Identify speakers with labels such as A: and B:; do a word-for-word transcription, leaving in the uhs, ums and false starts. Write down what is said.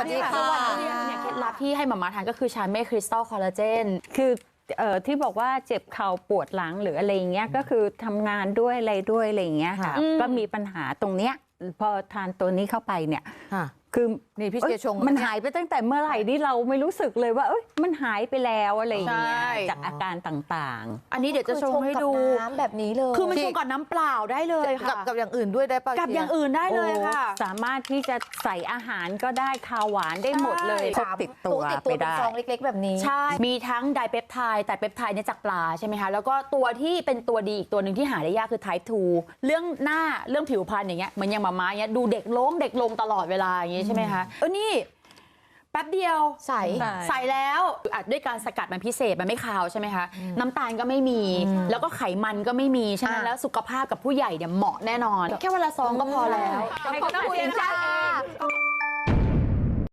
A: ดีค่ะ
B: เนี่ยเคล็ดลับที่ให้หม่าม้าทานก็คือชาเม่คริสตัลคอลลาเจน
C: คือเอ่อที่บอกว่าเจ็บเข่าปวดหลังหรืออะไรอย่างเงี้ยก็คือทำงานด้วยอะไรด้วยอะไรอย่างเงี้ยค่ะก็มีปัญหาตรงเนี้ยพอทานตัวนี้เข้าไปเนี่ยคือ
A: นี่พี่เจชง
C: มันหายไปตั้งแต่เมื่อไหร่ที่เราไม่รู้สึกเลยว่าเอ้ยมันหายไปแล้วอะไรอย่างเงี้ยจากอาการต่างๆ
B: อันนี้เดี๋ยวจะชงให้ดู
D: น้ำแบบนี้เลย
B: คือมันชงกับน้ำเปล่าได้เลยค่ะ
A: กับกับอย่างอื่นด้วยได้ป่ะ
B: กับอย่างอื่นได้เลยค่ะ
C: สามารถที่จะใส่อาหารก็ได้คาวหวานได้หมดเลยพกติดตัว
D: ติด
C: ไป
D: ตัวเป็น
C: ได้
D: ซองเล็กๆ แบบนี้
B: ใช่ มีทั้งไดเปปไทด์แต่เปปไทด์เนี่ยจากปลาใช่ไหมคะ แล้วก็ตัวที่เป็นตัวดีอีกตัวหนึ่งที่หาได้ยากคือ Type ทู เรื่องหน้าเรื่องผิวพรรณอย่างเงี้ยเหมือนอย่างหมาม้าเงี้ยดูเด็กลงเด็กลงตลอดเวลาอย่างงี้ใช่ไหมคะเออนี่แป๊บเดียว
D: ใส่
B: ใส่แล้วอัดด้วยการสกัดมันพิเศษมันไม่คาวใช่ไหมคะน้ำตาลก็ไม่มี แล้วก็ไขมันก็ไม่มีฉะนั้นแล้วสุขภาพกับผู้ใหญ่เนี่ยเหมาะแน่นอน แค่วันละซองก็พอแล้ว
D: ขอบคุณค่ะ